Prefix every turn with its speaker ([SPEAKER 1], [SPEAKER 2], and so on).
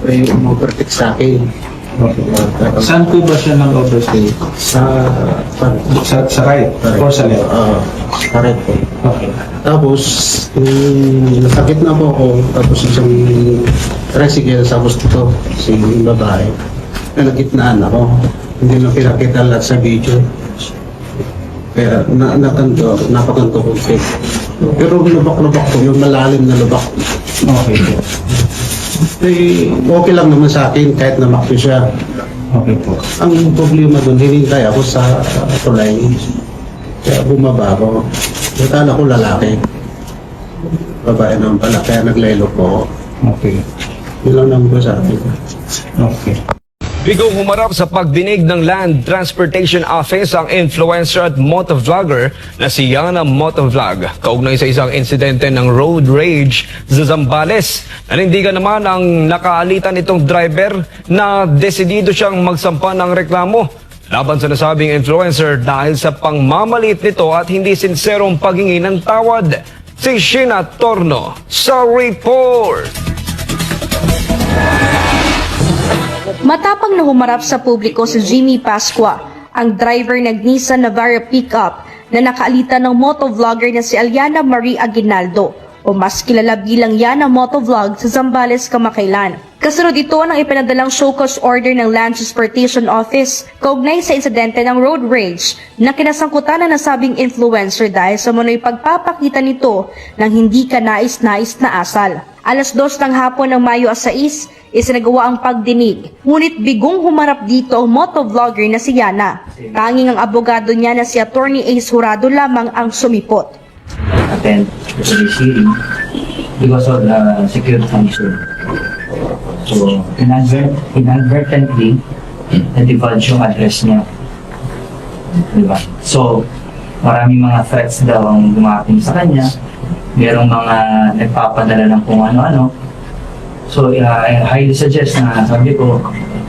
[SPEAKER 1] may umovertake sa akin.
[SPEAKER 2] Saan po ba siya nag-overstay?
[SPEAKER 1] Sa
[SPEAKER 2] Sa right or sa left?
[SPEAKER 1] correct po.
[SPEAKER 2] Okay.
[SPEAKER 1] Tapos, nasakit na po ako. Tapos isang tricycle sa gusto si babae. Na nagitnaan ako. Hindi na pinakita lahat sa video. Kaya napakanto ko. Pero lubak-lubak ko, yung malalim na lubak.
[SPEAKER 2] Okay po.
[SPEAKER 1] Okay lang naman sa akin kahit namakto siya.
[SPEAKER 2] Okay po.
[SPEAKER 1] Ang problema doon, hinintay ako sa tulay. Kaya bumaba ako. Nakala ko lalaki. Babae naman pala, kaya naglaylo po ako.
[SPEAKER 2] Okay.
[SPEAKER 1] Yun lang naman ko sa akin.
[SPEAKER 2] Okay.
[SPEAKER 3] Bigong humarap sa pagdinig ng Land Transportation Office ang influencer at motovlogger na si Yana Motovlog. Kaugnay sa isang insidente ng road rage sa Zambales. Nanindigan naman ang nakaalitan itong driver na desidido siyang magsampa ng reklamo laban sa nasabing influencer dahil sa pangmamalit nito at hindi sinserong paghingi ng tawad. Si Sheena Torno sa report.
[SPEAKER 4] Matapang na humarap sa publiko si Jimmy Pascua, ang driver ng Nissan Navara pickup na nakaalitan ng motovlogger na si Aliana Marie Aguinaldo o mas kilala bilang Yana Motovlog sa Zambales, Kamakailan. Kasunod ito ng ipinadalang show cause order ng Land Transportation Office kaugnay sa insidente ng road rage na kinasangkutan na nasabing influencer dahil sa manoy pagpapakita nito ng hindi kanais-nais na asal. Alas 2 ng hapon ng Mayo 6, isinagawa ang pagdinig. Ngunit bigong humarap dito ang motovlogger na si Yana. Tanging ang abogado niya na si Attorney Ace Jurado lamang ang sumipot.
[SPEAKER 5] Attend to this hearing because of the security concern. So, inadvertently, na-divulge yung address niya. Diba? So, maraming mga threats daw ang dumating sa kanya. Merong mga nagpapadala ng kung ano-ano. So, I highly suggest na sabi ko,